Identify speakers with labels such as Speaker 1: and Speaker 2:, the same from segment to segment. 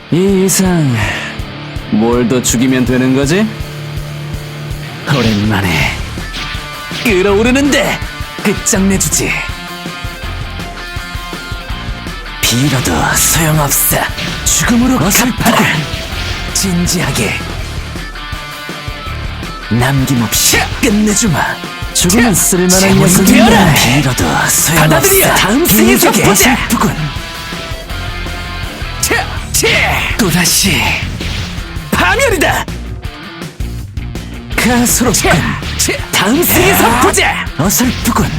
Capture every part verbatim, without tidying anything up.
Speaker 1: 이 이상 뭘 더 죽이면 되는 거지? 오랜만에 끓어오르는데 끝장내주지. 빌어도 소용없어. 죽음으로 갚아라. 진지하게 남김없이 끝내주마. 죽음은 쓸만한 녀석이야. 빌어도 소용없어. 다음 생에서 보자. 어설프군. 또다시 파멸이다. 가소롭군. 다음 생에서 보자. 어설프군.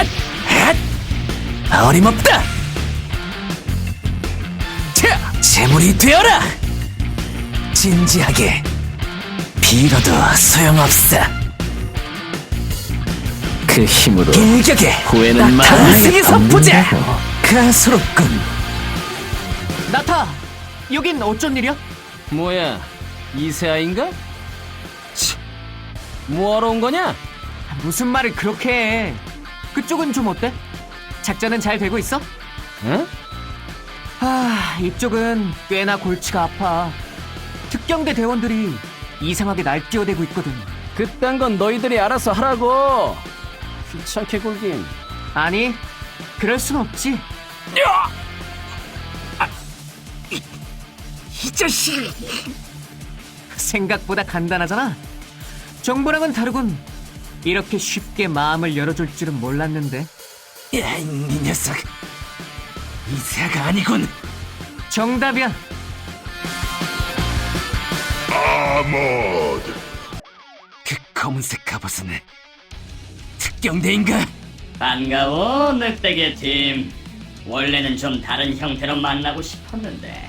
Speaker 1: 어림없다. 재물이 되어라. 진지하게 빌어도 소용없어. 그 힘으로 일격에 후회는 마. 다음 생에서 보자. 가소롭군.
Speaker 2: 나타! 여긴 어쩐 일이야?
Speaker 1: 뭐야, 이세아인가? 치, 뭐하러 온 거냐?
Speaker 2: 무슨 말을 그렇게 해. 그쪽은 좀 어때? 작전은 잘 되고 있어?
Speaker 1: 응?
Speaker 2: 아, 이쪽은 꽤나 골치가 아파. 특경대 대원들이 이상하게 날뛰어대고 있거든.
Speaker 1: 그딴 건 너희들이 알아서 하라고. 귀찮게 굴긴.
Speaker 2: 아니, 그럴 순 없지.
Speaker 1: 이 자식!
Speaker 2: 생각보다 간단하잖아. 정보랑은 다르군. 이렇게 쉽게 마음을 열어줄 줄은 몰랐는데.
Speaker 1: 야, 이 녀석. 이세아가 아니군.
Speaker 2: 정답이야.
Speaker 3: 아머드.
Speaker 1: 그 검은색 갑옷은 특경대인가?
Speaker 4: 반가워, 늑대계 팀. 원래는 좀 다른 형태로 만나고 싶었는데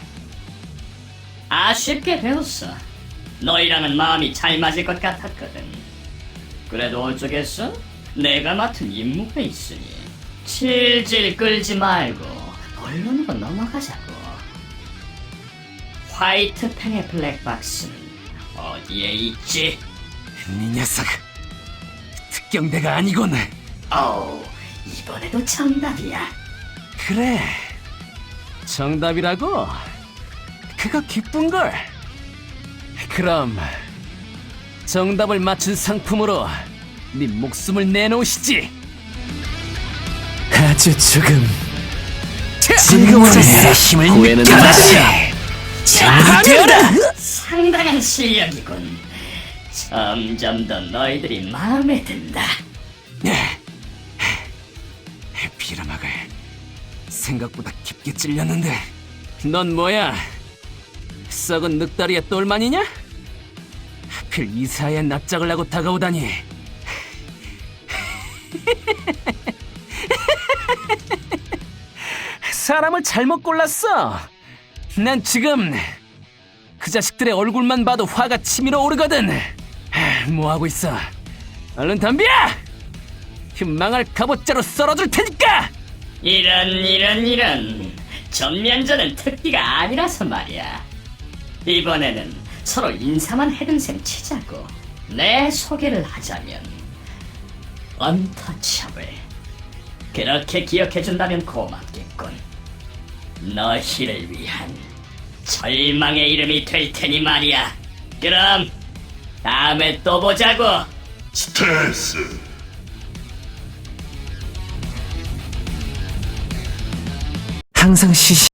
Speaker 4: 아쉽게 되었어. 너희랑은 마음이 잘 맞을 것 같았거든. 그래도 어쩌겠어? 내가 맡은 임무가 있으니 질질 끌지 말고 본론으로 넘어가자고. 화이트팽의 블랙박스는 어디에 있지?
Speaker 1: 이 녀석. 특경대가 아니군.
Speaker 4: 어우, 이번에도 정답이야.
Speaker 1: 그래. 정답이라고? 그거 기쁜걸. 그럼 정답을 맞춘 상품으로 네 목숨을 내놓으시지. 아주 조금 즐거워졌어. 힘을 느껴라. 되어라.
Speaker 4: 상당한 실력이군. 점점 더 너희들이 마음에 든다.
Speaker 1: 빌어먹을. 생각보다 깊게 찔렸는데. 넌 뭐야? 썩은 늑다리의 똘만이냐? 하필 이사에 납작을 하고 다가오다니. 사람을 잘못 골랐어. 난 지금 그 자식들의 얼굴만 봐도 화가 치밀어 오르거든. 뭐 하고 있어? 얼른 덤벼! 그 망할 갑옷자로 썰어줄 테니까.
Speaker 4: 이런 이런 이런. 전면전은 특기가 아니라서 말이야. 이번에는 서로 인사만 해둔 셈 치자고. 내 소개를 하자면 언터처블. 그렇게 기억해준다면 고맙겠군. 너희를 위한 절망의 이름이 될 테니 말이야. 그럼 다음에 또 보자고.
Speaker 3: 스탠스.
Speaker 1: 항상 시시